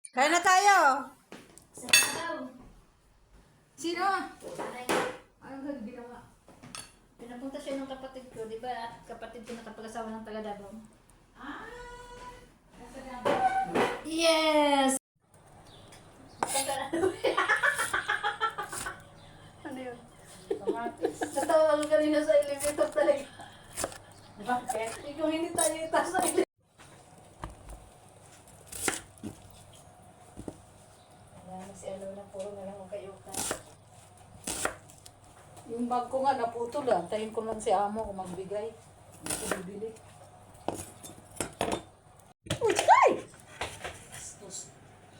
Kaya na tayo. Saan? Sino? Aray. Anong ginawa? Pinapunta siya ng kapatid ko, di ba? At kapatid ko nakapag-asawa ng taga Davao. Ah! Nasa na? Yes! Ano yun? Kamatis. Natawa ko kanina sa elevator talaga. Bakit? Kung hindi tayo itaas sa elevator. Ayan, si ano na puro na lang ang kayukan. Yung bag ko nga naputol ah. Tayin ko lang si amo kung magbigay. Hindi ko bibili. Uy! Ay! Sus.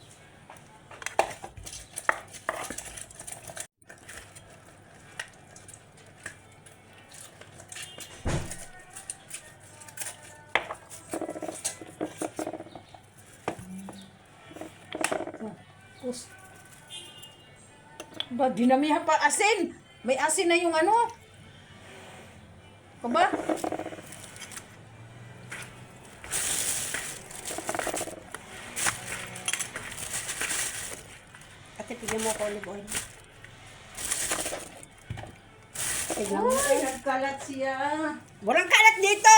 Pus. Ba, dinamihan pa asin. May asin na yung ano. Kaba? Ate, pigyan mo ako olive oil. Tignan mo. Ay, nagkalat siya. Walang kalat dito!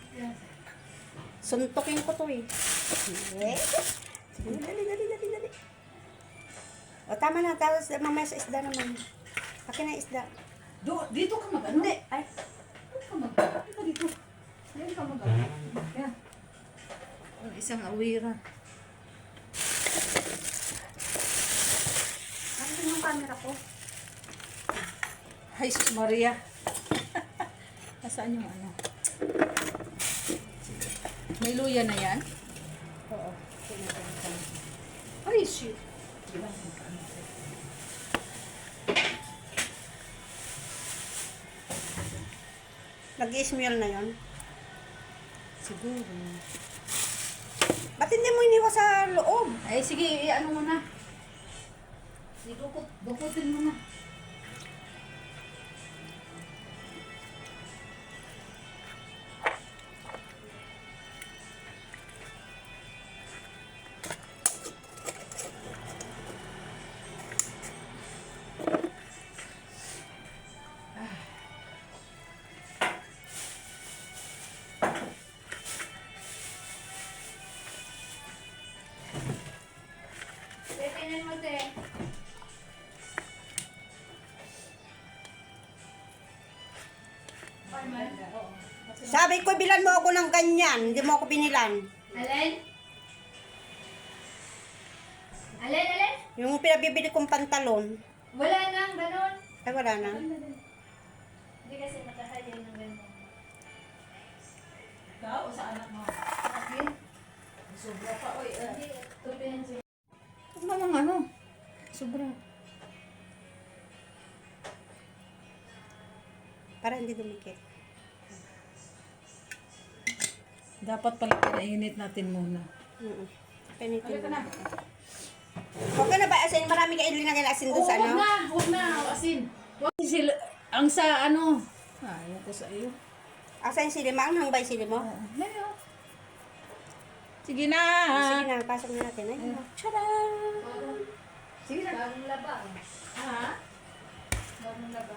Suntukin ko to eh. Sige. Sige, dali. O, tama na. Tapos mamaya sa isda naman. Akin na isda. Dito ka mag-ano? Hindi. Ay. Dito ka mag-ano? Dito, dito. Dito ka mag-ano? Yan. Ang isang awira. Ano yung camera ko? Ay, sus Maria. Nasaan yung ano? May luya na yan? Oo. Ay, shit. Nag-i-smell na yon. Siguro. Ba't hindi mo iniwa sa loob? Ay, sige, ano mo na. Dukutin mo na. Pepinin mo, te. Sabi ko, bilan mo ako ng ganyan. Hindi mo ako binilan. Alin? Alin? Yung pinabibili kong pantalon. Wala nang ganun. Ay, wala na. Hindi kasi makahali ng ganun. Ikaw o sa anak mo? Akin? Sobra pa, oy. Hindi. Tupihan siya. Huwag namang ano. Sobra. Para hindi dumikit. Dapat pala pinainit natin muna. Pinitin mo. Okay na ba asin? Marami ka ilinagay na asin doon sa ano? Huwag na, asin. Huwag sila, ang sa ano. Ayaw ko sa iyo. Asan sili mo? Ang hangbay sili mo? Sige na. Sige na, pasok na natin. Ay, tadaan! Sige na. Bagong laba. Ha? Bagong laba.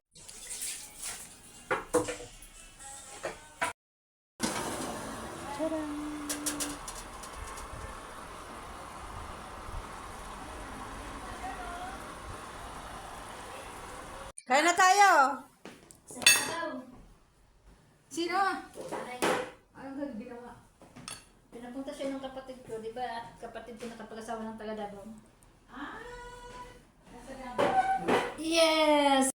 Kaya na tayo! Saan? Sino? Aray. Anong ginawa? Pinapunta siya ng kapatid ko, di ba? At kapatid ko nakapag-asawa ng taga Davao. Ah! Nasa na? Yes!